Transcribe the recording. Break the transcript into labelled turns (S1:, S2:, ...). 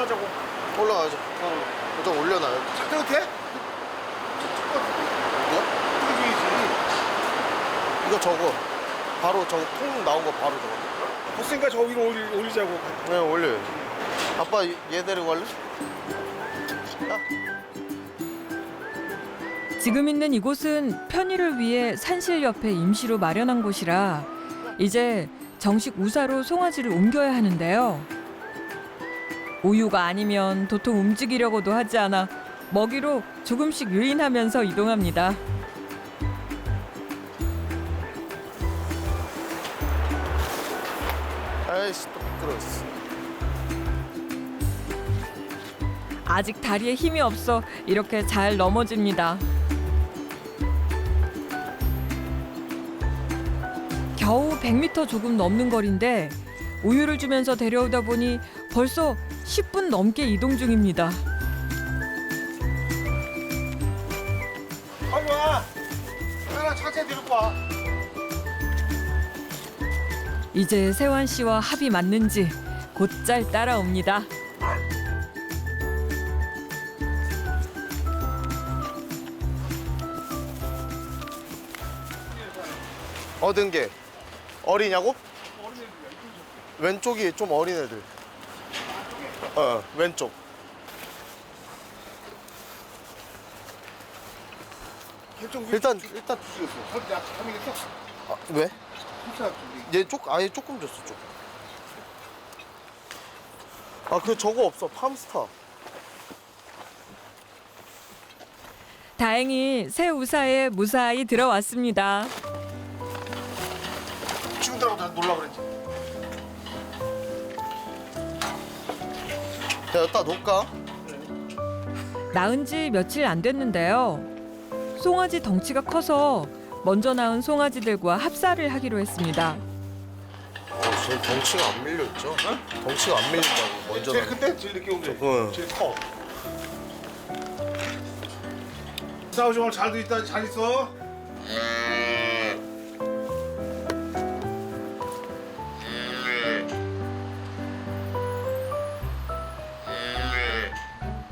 S1: 올라가자고.
S2: 올라가죠. 좀 올려놔요.
S1: 작대도 돼?
S2: 뭐?
S1: 뜯어줘야지.
S2: 이거 저거 바로 저거 통 나온 거 바로 저거.
S1: 됐으니까 저 위로 올리자고.
S2: 네, 올려요. 아빠 얘 데리고 갈래?
S3: 지금 있는 이곳은 편의를 위해 산실 옆에 임시로 마련한 곳이라 이제 정식 우사로 송아지를 옮겨야 하는데요. 우유가 아니면 도통 움직이려고도 하지 않아 먹이로 조금씩 유인하면서 이동합니다.
S2: 아이씨 또 미끄러웠어.
S3: 아직 다리에 힘이 없어 이렇게 잘 넘어집니다. 겨우 100m 조금 넘는 거리인데 우유를 주면서 데려오다 보니 벌써 10분 넘게 이동 중입니다.
S1: 빨리 와. 하나 차체 데리고 와.
S3: 이제 세환 씨와 합이 맞는지 곧잘 따라옵니다.
S2: 얻은 게 어리냐고? 왼쪽이 좀 어린 애들. 왼쪽. 일단
S1: 죽였어. 거기 나 가면했어.
S2: 왜?
S1: 진짜
S2: 얘 아예 조금 줬어 좀. 그 저거 없어 팜스타.
S3: 다행히 새 우사에 무사히 들어왔습니다.
S1: 지금 들어가서 놀라 그랬지.
S2: 야, 여기다 놓을까?
S3: 낳은 지 며칠 안 됐는데요. 송아지 덩치가 커서 먼저 낳은 송아지들과 합사를 하기로 했습니다.
S2: 쟤 덩치가 안 밀려있죠? 덩치가 안 밀린다고 먼저.
S1: 제일 큰데? 제일 늦게 온 게.
S2: 응.
S1: 제일 커. 싸우지 말고 잘 있어.